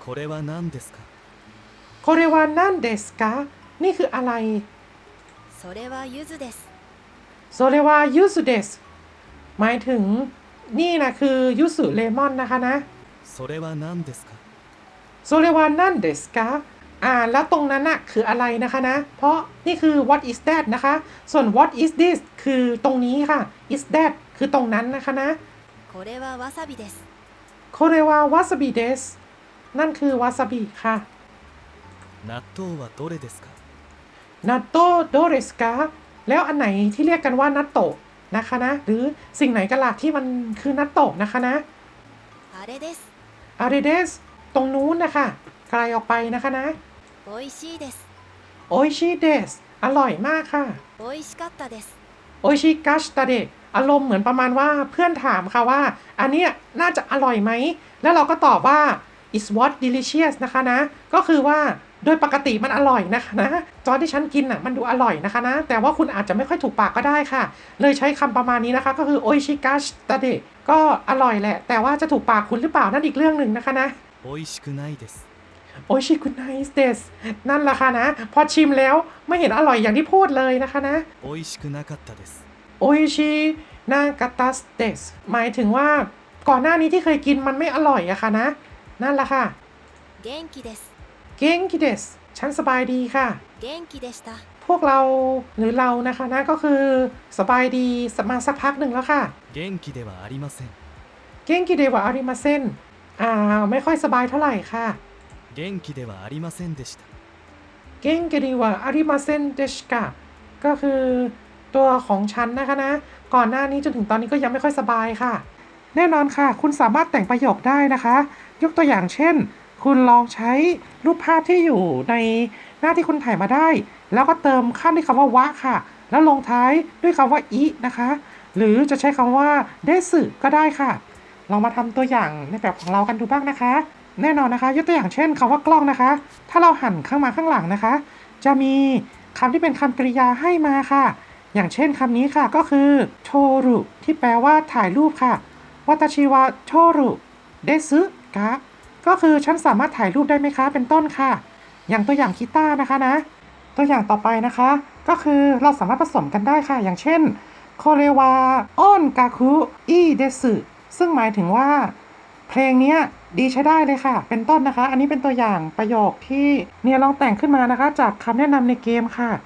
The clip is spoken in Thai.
これは何ですかโคเรวานันเดสกะนี่คืออะไรそれは柚子ですโซเรวายูสุเดสหมายถึงนี่นะคือยูสุเลมอนนะคะนะそれは何ですかโซเรวานันเดสกะแล้วตรงนั้นน่ะคืออะไรนะคะนะเพราะนี่คือ what is that นะคะส่วน what is this คือตรงนี้ค่ะ is that คือตรงนั้นนะคะนะこれはわさびですโคเรวาวาซาบิเดสนั่นคือวาซาบิค่ะ納豆はどれですかนัตโตโดเรสกาแล้วอันไหนที่เรียกกันว่านัตโตะนะคะนะหรือสิ่งไหนกันล่ะที่มันคือนัตโตะนะคะนะあれですอาริเดสตรงนู้นนะคะไกลออกไปนะคะนะ美味しいですโอชิเดสอร่อยมากค่ะ美味しかったですโอชิกัชตาเดะอารมณ์เหมือนประมาณว่าเพื่อนถามค่ะว่าอันเนี้ยน่าจะอร่อยไหมแล้วเราก็ตอบว่า is what delicious นะคะนะก็คือว่าโดยปกติมันอร่อยนะคะนะตอนที่ฉันกินอ่ะมันดูอร่อยนะคะนะแต่ว่าคุณอาจจะไม่ค่อยถูกปากก็ได้ค่ะเลยใช้คำประมาณนี้นะคะก็คือโอชิกัชตาเดะก็อร่อยแหละแต่ว่าจะถูกปากคุณหรือเปล่านั่นอีกเรื่องหนึ่งนะคะนะ美味しくないですโอชิคุไนส์เดสนั่นแหละค่ะนะพอชิมแล้วไม่เห็นอร่อยอย่างที่พูดเลยนะคะนะ美味しくなかったですโอชินากาตัสเดสหมายถึงว่าก่อนหน้านี้ที่เคยกินมันไม่อร่อยอะค่ะนะนั่นแหละค่ะ元気ですเกงกิเดสฉันสบายดีค่ะ元気でしたพวกเราหรือเรานะคะนะก็คือสบายดีมาสักพักหนึ่งแล้วค่ะ元気ではありませんเกงกิเดวะอาริมาเซนไม่ค่อยสบายเท่าไหร่ค่ะ元気ではありませんでしたเกงกิเดวะอาริมาเซนเดชกะก็คือตัวของฉันนะคะนะก่อนหน้านี้จนถึงตอนนี้ก็ยังไม่ค่อยสบายค่ะแน่นอนค่ะคุณสามารถแต่งประโยคได้นะคะยกตัวอย่างเช่นคุณลองใช้รูปภาพที่อยู่ในหน้าที่คุณถ่ายมาได้แล้วก็เติมขั้นด้วยคำว่าวะค่ะแล้วลงท้ายด้วยคำว่าอินะคะหรือจะใช้คำว่าเดสึก็ได้ค่ะลองมาทำตัวอย่างในแบบของเรากันดูบ้างนะคะแน่นอนนะคะยกตัวอย่างเช่นคำว่ากล้องนะคะถ้าเราหันข้างมาข้างหลังนะคะจะมีคำที่เป็นคำกริยาให้มาค่ะอย่างเช่นคำนี้ค่ะก็คือโทรุที่แปลว่าถ่ายรูปค่ะวัตชิวะโทรุเดซึกะก็คือฉันสามารถถ่ายรูปได้ไหมคะเป็นต้นค่ะอย่างตัวอย่างกีตาร์นะคะนะตัวอย่างต่อไปนะคะก็คือเราสามารถผสมกันได้ค่ะอย่างเช่นโคเรวาออนกาคุอิเดซึซึ่งหมายถึงว่าเพลงนี้ดีใช้ได้เลยค่ะเป็นต้นนะคะอันนี้เป็นตัวอย่างประโยคที่เนี่ยลองแต่งขึ้นมานะคะจากคำแนะนำในเกมค่ะ